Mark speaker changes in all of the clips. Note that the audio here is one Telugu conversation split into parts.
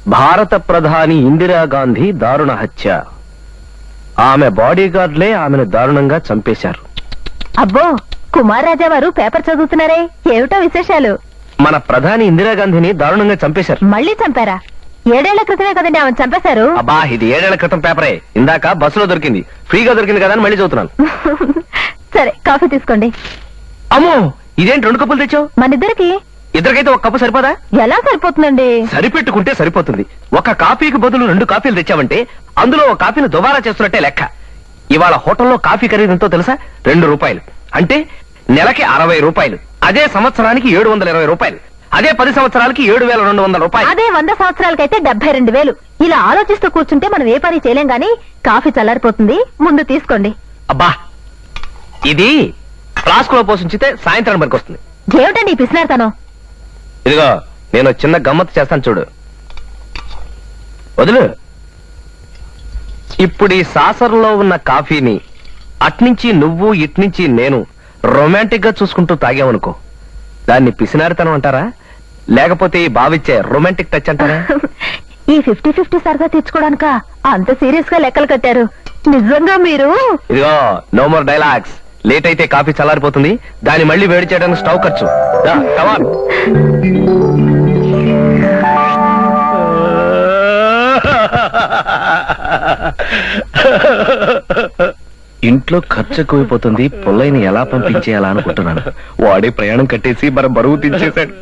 Speaker 1: భారత ప్రధాని ఇందిరాగాంధీ దారుణ హత్య. ఆమె బాడీగార్డ్లే ఆమెను దారుణంగా చంపేశారు.
Speaker 2: అబ్బో, కుమార్ రాజా వారు పేపర్ చదువుతున్నారే, ఏమిటో విశేషాలు?
Speaker 1: మన ప్రధాని ఇందిరాగాంధీని దారుణంగా చంపేశారు.
Speaker 2: మళ్ళీ చంపారా? 7 ఏళ్ల క్రితమే కదండి ఆమెను చంపేశారు.
Speaker 1: అబ్బా, ఇది 7 ఏళ్ల క్రితం పేపరే. ఇందాక బస్సులో దొరికింది, ఫ్రీగా దొరికింది కదా అని మళ్ళీ చదువుతున్నాను.
Speaker 2: సరే, కాఫీ తీసుకోండి.
Speaker 1: అమ్మో, ఇదేంటి 2 కప్పులు తెచ్చావు?
Speaker 2: మనిద్దరికి.
Speaker 1: ఇద్దరికైతే 1 కప్పు సరిపోదా?
Speaker 2: ఎలా సరిపోతుందండి? సరిపెట్టుకుంటే
Speaker 1: సరిపోతుంది. 1 కాఫీకి బదులు 2 కాఫీలు తెచ్చావంటే అందులో 1 కాఫీని దుబారా చేస్తున్నట్టే లెక్క. ఇవాళ హోటల్లో కాఫీ ఖరీదు ఎంతో తెలుసా? 2 రూపాయలు. అంటే నెలకి 60 రూపాయలు. అదే సంవత్సరానికి 720 రూపాయలు. అదే 10 సంవత్సరాలకి 7,200 రూపాయలు.
Speaker 2: అదే 100 సంవత్సరాలకైతే 72,000. ఇలా ఆలోచిస్తూ కూర్చుంటే మనం ఏ పని చేయలేం గానీ కాఫీ చల్లారిపోతుంది, ముందు తీసుకోండి.
Speaker 1: అబ్బా, ఇది ఫ్లాస్క్ లో పోషించితే సాయంత్రం వరకు వస్తుంది.
Speaker 2: ఏమిటండి పిసినారుతనం?
Speaker 1: ఇదిగో, నేను చిన్న గమ్మత్తు చేస్తాను చూడు. వదులు. ఇప్పుడు ఈ సాసర్లో ఉన్న కాఫీని అట్నుంచి నువ్వు ఇట్నుంచి నేను రొమాంటిక్ గా చూసుకుంటూ తాగామనుకో, దాన్ని పిసినారితనం అంటారా, లేకపోతే ఈ బావిచ్చే రొమాంటిక్ టచ్ అంటారా?
Speaker 2: ఈ 50-50 సరదా తెచ్చుకోవడానిక అంత సీరియస్ గా లెక్కలు కట్టారు? నిజంగా మీరు.
Speaker 1: ఇదిగో, నో మోర్ డైలాగ్స్. లేట్ అయితే కాఫీ చల్లారిపోతుంది, దాన్ని మళ్ళీ వేడి చేయడానికి స్టవ్ ఖర్చు. కమాన్. ఇంట్లో ఖర్చు ఎక్కువైపోతుంది, పుల్లయ్యని ఎలా పంపించేయాలా అనుకుంటున్నాను. వాడే ప్రయాణం కట్టేసి మన బరువు తీసేశాడు.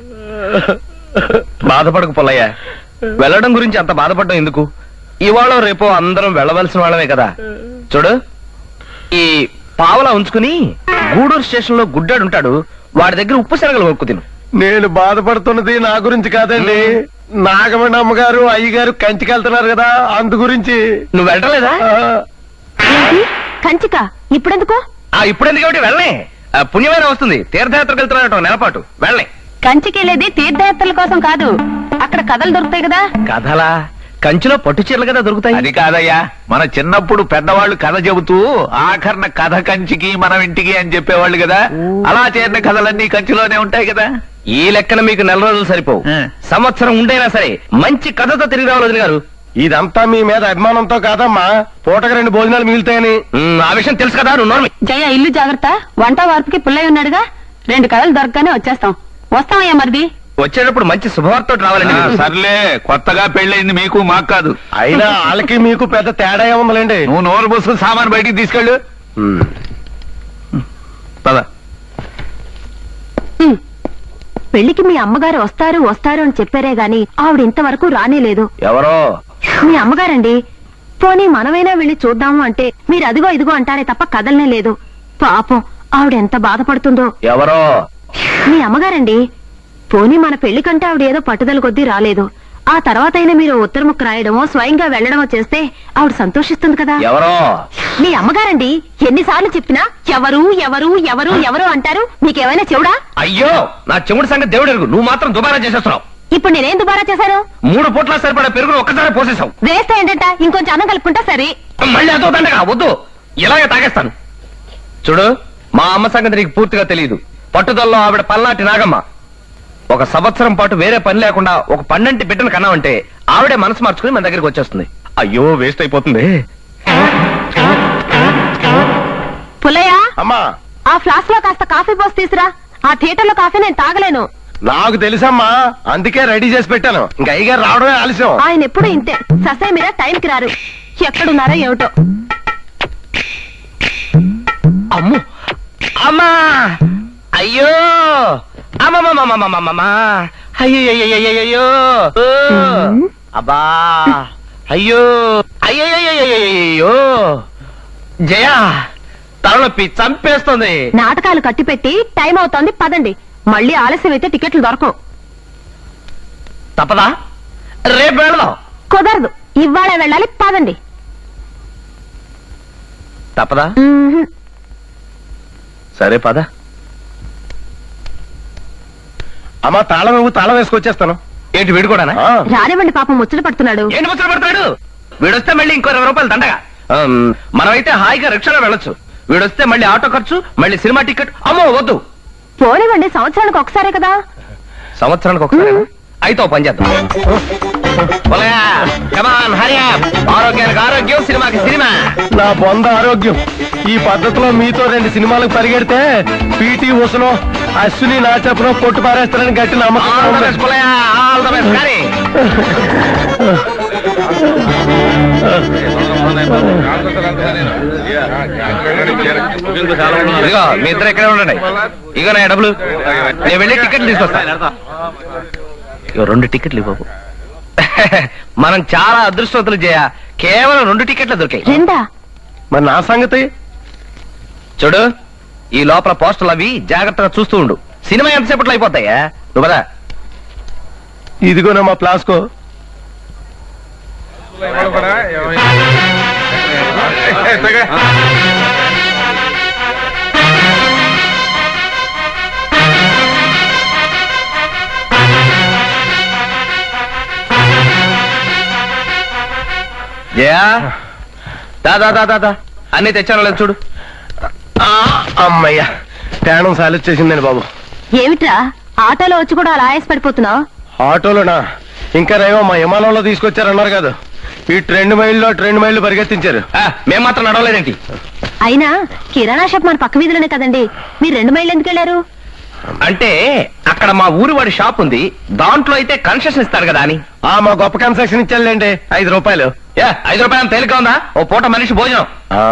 Speaker 1: బాధపడకు పుల్లయ్య, వెళ్ళడం గురించి అంత బాధపడడం ఎందుకు? ఇవాళ రేపో అందరం వెళ్ళవలసిన వాళ్ళమే కదా. చూడు, ఈ పావలా ఉంచుకుని గూడూరు స్టేషన్ లో గుడ్డాడు ఉంటాడు, వాడి దగ్గర ఉప్పు శనగలు కొనుక్కు తిను.
Speaker 3: నేను బాధపడుతున్నది నా గురించి కాదండి, నాగమణి అమ్మగారు అయ్యగారు కంచికి వెళ్తున్నారు కదా, అందు గురించి.
Speaker 1: నువ్వు వెళ్ళలేదా?
Speaker 2: కంచిక ఇప్పుడెందుకో?
Speaker 1: ఇప్పుడెందుకు కాబట్టి వెళ్ళే, పుణ్యమైన వస్తుంది. తీర్థయాత్రకు వెళ్తున్నా నెలపాటు వెళ్ళే.
Speaker 2: కంచికి వెళ్ళేది తీర్థయాత్రల కోసం కాదు, అక్కడ కథలు దొరుకుతాయి కదా.
Speaker 1: కథలా? కంచిలో పట్టు చీరలు కదా దొరుకుతాయి.
Speaker 4: అది కాదయ్యా, మన చిన్నప్పుడు పెద్దవాళ్ళు కథ చెబుతూ ఆఖరణ కథ కంచికి మనం ఇంటికి అని చెప్పేవాళ్ళు కదా, అలా చేరిన కథలన్నీ కంచిలోనే ఉంటాయి కదా.
Speaker 1: ఈ లెక్కన మీకు 4 రోజులు సరిపోవు, సంవత్సరం ఉండైనా సరే మంచి కథతో తిరిగి రావాలి వదిన గారు.
Speaker 3: ఇదంతా మీ మీద అభిమానంతో కాదమ్మా, పూటకు 2 భోజనాలు మిగులుతాయని.
Speaker 1: ఆ విషయం తెలుసు కదా, నువ్వు నోర్మి.
Speaker 2: జయ, ఇల్లు జాగ్రత్త. వంట వార్పుకి పుల్లయ్య ఉన్నాడుగా, 2 కథలు దొరకగానే వచ్చేస్తాం. వస్తామయ్యా మరిది.
Speaker 1: వచ్చేటప్పుడు మంచి శుభవార్త రావాలండి.
Speaker 4: సర్లే, కొత్తగా పెళ్ళయింది మీకు, మాకు కాదు.
Speaker 3: అయినా వాళ్ళకి మీకు పెద్ద తేడా ఏముందండి.
Speaker 4: నువ్వు నోరు బస్సు సామాన్ బయటికి తీసుకెళ్ళు. పద.
Speaker 2: పెళ్లికి మీ అమ్మగారు వస్తారు అని చెప్పారే గాని ఆవిడ ఇంతవరకు రానేలేదు.
Speaker 1: ఎవరో?
Speaker 2: మీ అమ్మగారండి. పోనీ మనమైనా వెళ్లి చూద్దాము అంటే మీరు అదిగో ఇదిగో అంటారే తప్ప కదలనే లేదు. పాపం, ఆవిడ ఎంత బాధపడుతుందో.
Speaker 1: ఎవరో?
Speaker 2: మీ అమ్మగారండి. పోనీ మన పెళ్లి కంటే ఆవిడ ఏదో పట్టుదల కొద్దీ రాలేదు. ఆ తర్వాత అయినా మీరు ఉత్తర ముక్క రాయడమో స్వయంగా వెళ్లడమో చేస్తే ఆవిడ సంతోషిస్తుంది కదా.
Speaker 1: ఎవరో?
Speaker 2: మీ అమ్మగారండి. ఎన్నిసార్లు చెప్పినా ఎవరు ఎవరు ఎవరు ఎవరు అంటారు. మీకేమైనా చెవుడా?
Speaker 1: అయ్యో, నా చెముడు సంగతి దేవుడు ఎరుగు, నువ్వు మాత్రం దుబారా చేసేస్తున్నావు.
Speaker 2: ఇప్పుడు నేనేం దుబారా చేశాను?
Speaker 1: 3 పూట్ల సరిపడా పెరుగును ఒక్కసారి పోసేసావు.
Speaker 2: వేస్తే ఏంటంట, ఇంకొంచెం అన్నం కలుపుకుంటా సరే.
Speaker 1: మళ్ళీ అదో దండగా వద్దు, ఇలాగే తాగేస్తాను. చూడు, మా అమ్మ సంగతి నీకు పూర్తిగా తెలియదు. పట్టుదలలో ఆవిడ పల్నాటి నాగమ్మ. 1 సంవత్సరం పాటు వేరే పని లేకుండా ఒక పన్నెంటి బిడ్డను కన్నామంటే ఆవిడే మనసు మార్చుకుని మన దగ్గరికి వచ్చేస్తుంది. అయ్యో, వేస్ట్ అయిపోతుంది.
Speaker 2: పుల్లయ్య,
Speaker 3: అమ్మా,
Speaker 2: ఆ ఫ్లాస్క్ లో కాస్త కాఫీ పోసి తీసురా. ఆ థియేటర్ లో కాఫీ నేను తాగలేను.
Speaker 3: నాకు తెలుసమ్మా, అందుకే రెడీ చేసి పెట్టాను. ఇంకా అయ్యగారు రావడమే ఆలస్యం.
Speaker 2: ఆయన ఎప్పుడు ఇంతే, ససే మీరా టైంకి రారు. ఎక్కడున్నారో ఏమిటో.
Speaker 1: అమ్మో, అమ్మా, అయ్యో, అమ్మమ్మమ్మమ్మమ్మమ్మా, అయ్యో, అబ్బా, అయ్యో, అయ్యో, జయ, తలనొప్పి చంపేస్తుంది.
Speaker 2: నాటకాలు కట్టిపెట్టి టైం అవుతోంది, పదండి. మళ్ళీ ఆలస్యం అయితే టికెట్లు దొరకవు.
Speaker 1: తప్పదా? రేపు వెళదాం.
Speaker 2: కుదరదు, ఇవాళే వెళ్ళాలి, పదండి.
Speaker 1: తప్పదా? సరే పద.
Speaker 3: అమ్మా, తాళం నువ్వు తాళం వేసుకొచ్చేస్తాను.
Speaker 1: ఏంటి, వీడు కూడా?
Speaker 2: రానివ్వండి, పాపం ముచ్చట పడుతున్నాడు.
Speaker 1: ఏంటి ముచ్చట పడతాడు? వీడొస్తే మళ్ళీ ఇంకో 20 రూపాయలు దండగా. మనమైతే హాయిగా రిక్షాలో వెళ్ళొచ్చు. వీడొస్తే మళ్ళీ ఆటో ఖర్చు, మళ్ళీ సినిమా టికెట్. అమ్మో వద్దు.
Speaker 2: పోనివ్వండి, సంవత్సరానికి ఒకసారే కదా.
Speaker 1: సంవత్సరానికి ఒకసారి అయితే పని చేద్దాం. కమాన్ హరి ఆరోగ్యానికి ఆరోగ్యం సినిమాకి సినిమా.
Speaker 3: నా బొంద ఆరోగ్యం. ఈ పద్ధతిలో మీతో 2 సినిమాలకు పరిగెడితే పీటీ ఉసనో అశ్విని నా చెప్పనో కొట్టు పారేస్తారని గట్టి నమ్మకం
Speaker 1: ఆల్ ద
Speaker 3: ఉంది.
Speaker 1: Best Pullayya, all the best కానీ. ఇదిగో మీ ఇద్దరు ఇక్కడే ఉండండి. ఇగో నా డబ్బులు, నేను వెళ్ళి టికెట్లు తీసుకొస్తా. ఇగో 2 టికెట్లు ఇవ్వవు. మనం చాలా అదృష్టవంతులు చేయ, కేవలం 2 టికెట్లు దొరికాయి.
Speaker 2: రెండా?
Speaker 3: మరి నా సంగతి?
Speaker 1: చూడు, ఈ లోపల పోస్టర్లు అవి జాగ్రత్తగా చూస్తూ ఉండు. సినిమా ఎంతసేపట్లో అయిపోతాయా? నువ్వు పద.
Speaker 3: ఇదిగోనా మా ప్లాస్కో.
Speaker 1: జయా, దా దా దా దా దా. అన్ని తెచ్చాను లేదు చూడు.
Speaker 3: అమ్మయ్యా, ప్రాణం సాలొచ్చేసిందండి బాబు.
Speaker 2: ఏమిట్రా ఆటోలో వచ్చి కూడా అలా ఆయాస పడిపోతున్నావు?
Speaker 3: ఆటోలోనా? ఇంకా రేమో మా విమానంలో తీసుకొచ్చారన్నారు కదా. ఈ 2 మైళ్ళు 2 మైళ్ళు పరిగెత్తించారు.
Speaker 1: మేము మాత్రం నడవలేదేంటి?
Speaker 2: అయినా కిరాణా షాప్ మన పక్క వీధిలోనే కదండి, మీరు 2 మైళ్ళు ఎందుకు వెళ్ళారు?
Speaker 1: అంటే అక్కడ మా ఊరి వాడి షాప్ ఉంది, దాంట్లో అయితే కన్సెషన్ ఇస్తారు కదా అని.
Speaker 3: మా గొప్ప కన్సెషన్ ఇచ్చారులేండి, 5 రూపాయలు.
Speaker 1: 5 రూపాయలు తేలిక ఉందా? ఓ పూట మనిషి భోజనం.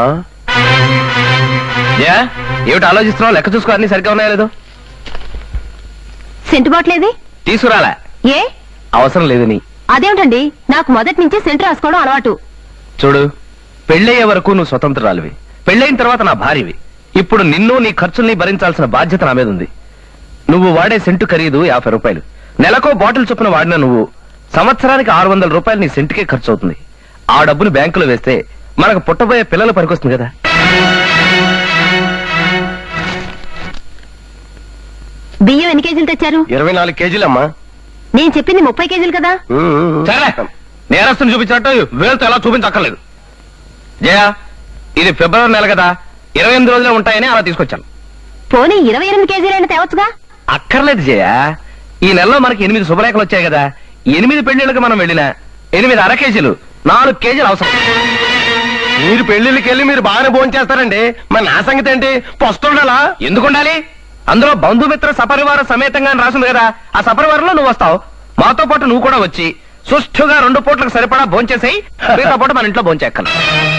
Speaker 1: ఏమిటి ఆలోచిస్తున్నావు? లెక్క చూసుకో, అన్ని సరిగ్గా ఉన్నాయా లేదో.
Speaker 2: సెంటు బాట్లేది?
Speaker 1: తీసుకురాలే,
Speaker 2: ఏ
Speaker 1: అవసరం లేదని.
Speaker 2: అదేమిటండి, నాకు మొదటి నుంచి సెంటు రాసుకోవడం అలవాటు.
Speaker 1: చూడు, పెళ్ళయ్యే వరకు నువ్వు స్వతంత్రాలివి, పెళ్ళైన తర్వాత నా భార్యవి. ఇప్పుడు నిన్ను నీ ఖర్చుల్ని భరించాల్సిన బాధ్యత నా మీద ఉంది. నువ్వు వాడే సెంటు ఖరీదు 50 రూపాయలు. నెలకో బాటిల్ చొప్పున వాడిన నువ్వు సంవత్సరానికి 600 రూపాయలు నీ సెంటుకే ఖర్చు అవుతుంది. ఆ డబ్బును బ్యాంకులో వేస్తే మనకు పుట్టబోయే పిల్లలు పనికొస్తుంది కదా.
Speaker 2: బియ్యం ఎన్ని కేజీలు తెచ్చారు?
Speaker 3: 24 కేజీలమ్మా.
Speaker 2: నేను చెప్పింది 30 కేజీలు కదా.
Speaker 1: సరే, నేరస్తుని చూపించినట్టు వేలుతో ఎలా చూపించక్కర్లేదు. జయ, ఇది ఫిబ్రవరి నెల కదా, 28 రోజులే ఉంటాయని అలా తీసుకొచ్చాను.
Speaker 2: పోనీ 28 కేజీలైనా తేవచ్చుగా.
Speaker 1: అక్కర్లేదు జయ, ఈ నెలలో మనకి 8 శుభలేఖలు వచ్చాయి కదా. 8 పెళ్లిళ్ళకి మనం వెళ్ళినా 8 అర కేజీలు, 4 కేజీలు అవసరం.
Speaker 3: మీరు పెళ్లిళ్ళకి వెళ్ళి మీరు బాగానే భోజనం చేస్తారండి, మరి నా సంగతి ఏంటి? పొస్తుండాలా?
Speaker 1: ఎందుకు ఉండాలి? అందులో బంధుమిత్ర సపరివార సమేతంగా అని రాసింది కదా. ఆ సపరివారంలో నువ్వు వస్తావు, మాతో పాటు నువ్వు కూడా వచ్చి సుష్ఠుగా 2 పూట్లకు సరిపడా భోంచేసేయి. మిగతా పూట మన ఇంట్లో భోంచేక్కను.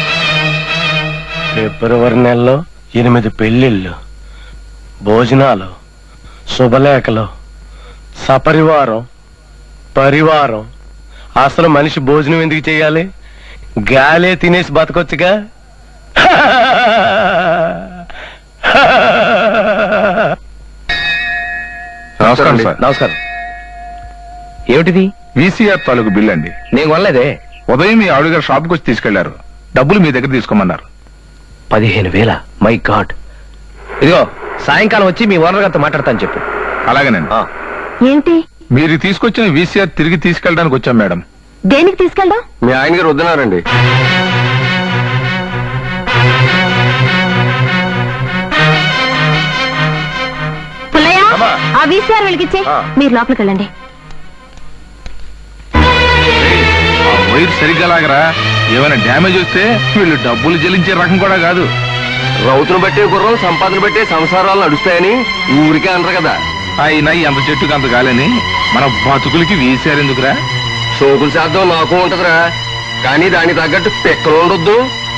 Speaker 3: ఫిబ్రవరి నెలలో 8 పెళ్లిళ్ళు, భోజనాలు, శుభలేఖలు, సపరివారం, పరివారం. అసలు మనిషి భోజనం ఎందుకు చేయాలి? గాలే తినేసి బతకొచ్చుగా.
Speaker 5: నమస్కారం సార్.
Speaker 1: నమస్కారం. ఏమిటిది?
Speaker 5: వీసీఆర్ తాలూకు బిల్ అండి.
Speaker 1: నేను కొనలేదే.
Speaker 5: ఉదయం మీ ఆవిడ గారు షాప్కి వచ్చి తీసుకెళ్లారు. డబ్బులు మీ దగ్గర తీసుకోమన్నారు.
Speaker 1: 15,000. My God. ఇదిగో, సాయంకాలం వచ్చి మీ ఓనర్ గారితో మాట్లాడతాను చెప్పు.
Speaker 5: అలాగేనండి.
Speaker 2: ఏంటి?
Speaker 5: మీరు తీసుకొచ్చిన వీసీఆర్ తిరిగి తీసుకెళ్ళడానికి వచ్చాం మేడం.
Speaker 2: దేనికి తీసుకెళ్దాం?
Speaker 3: మీ ఆయన గారు వద్దన్నారండి.
Speaker 2: పుల్లయ్య,
Speaker 3: అమ్మా.
Speaker 2: ఆ వీసీఆర్ వెలిగించే.
Speaker 3: ఆ.
Speaker 2: మీరు లోపలికి వెళ్ళండి.
Speaker 5: ఆ వైర్ సరిగ్గా లాగరా. ఏమైనా డ్యామేజ్ వస్తే వీళ్ళు డబ్బులు చెల్లించే రకం కూడా కాదు.
Speaker 3: రౌతును బట్టే గుర్రం సంపాదన బట్టే సంసారాలు నడుస్తాయని ఊరికే అనరు కదా.
Speaker 5: అయినా ఎంత చెట్టుకు అంత గాలని మన బతుకులకి వీసీఆర్ ఎందుకురా?
Speaker 3: సోకులు శాతం నాకు ఉంటదిరా, కానీ దానికి తగ్గట్టు పెక్కలు ఉండొద్దు.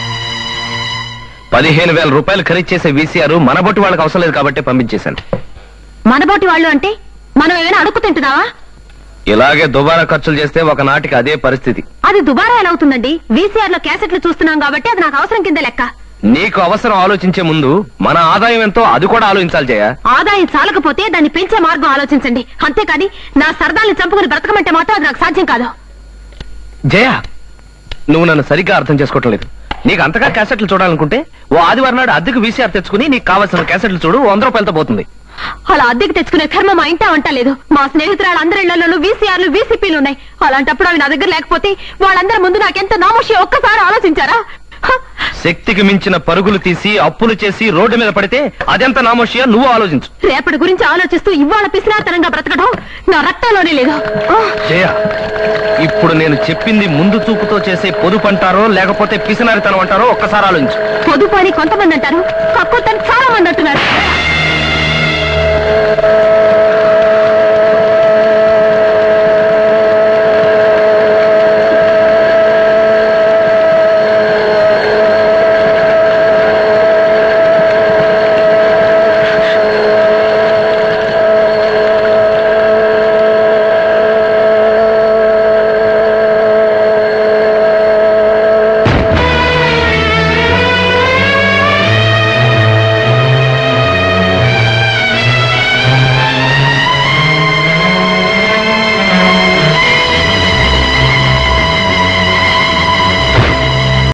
Speaker 1: 15,000 రూపాయలు ఖరీదు చేసే వీసీఆర్ మన బొట్టు వాళ్ళకి అవసరం లేదు కాబట్టి పంపించేశాను.
Speaker 2: మనబోటి వాళ్ళు అంటే మనం ఏమైనా అడుక్కు తింటున్నావా?
Speaker 1: ఇలాగే దుబారా ఖర్చులు చేస్తే ఒకనాటికి అదే పరిస్థితి.
Speaker 2: అది దుబారా ఎలా అవుతుందండి? వీసీఆర్ లో క్యాసెట్లు చూస్తున్నాం కాబట్టి అది నాకు అవసరం కింద లెక్క.
Speaker 1: నీకు అవసరం ఆలోచించే ముందు మన ఆదాయం ఎంతో అది కూడా ఆలోచించాలి జయ.
Speaker 2: ఆదాయం చాలకపోతే దాన్ని పెంచే మార్గం ఆలోచించండి, అంతేకాని నా సరదాల్ని చంపుకుని బ్రతకమంటే మాత్రం అది నాకు సాధ్యం కాదు.
Speaker 1: జయ, నువ్వు నన్ను సరిగ్గా అర్థం చేసుకోవటం లేదు. నీకు అంతగా క్యాసెట్లు చూడాలనుకుంటే ఓ ఆదివారం నాడు అద్దెకు వీసీఆర్ తెచ్చుకుని నీకు కావాల్సిన క్యాసెట్లు చూడు. 100 రూపాయలతో పోతుంది.
Speaker 2: అలా అద్దెకి తెచ్చుకునే కర్మ మా ఇంటా వంట లేదు. మా స్నేహితురాలు అందరి ఇళ్లలోనూ వీసీఆర్లు వీసీపీలు ఉన్నాయి. అలాంటప్పుడు అవి నా దగ్గర లేకపోతే వాళ్ళందరి ముందు నాకెంత నామోషి ఒక్కసారి ఆలోచించారా?
Speaker 1: శక్తికి మించిన పరుగులు తీసి అప్పులు చేసి రోడ్డు మీద పడితే అదెంత నామోషియా నువ్వు ఆలోచించు.
Speaker 2: రేపటి గురించి ఆలోచిస్తూ ఇవాళ పిసినాతనంగా బ్రతకడం నా రక్తంలోనే లేదు.
Speaker 1: జయ, ఇప్పుడు నేను చెప్పింది ముందు చూపుతో చేసే పొదుపు అంటారో లేకపోతే పిసినారితనం అంటారో ఒక్కసారి ఆలోచించు.
Speaker 2: పొదుపు అని కొంతమంది అంటారు, కక్కుతని చాలా మంది అంటున్నారు.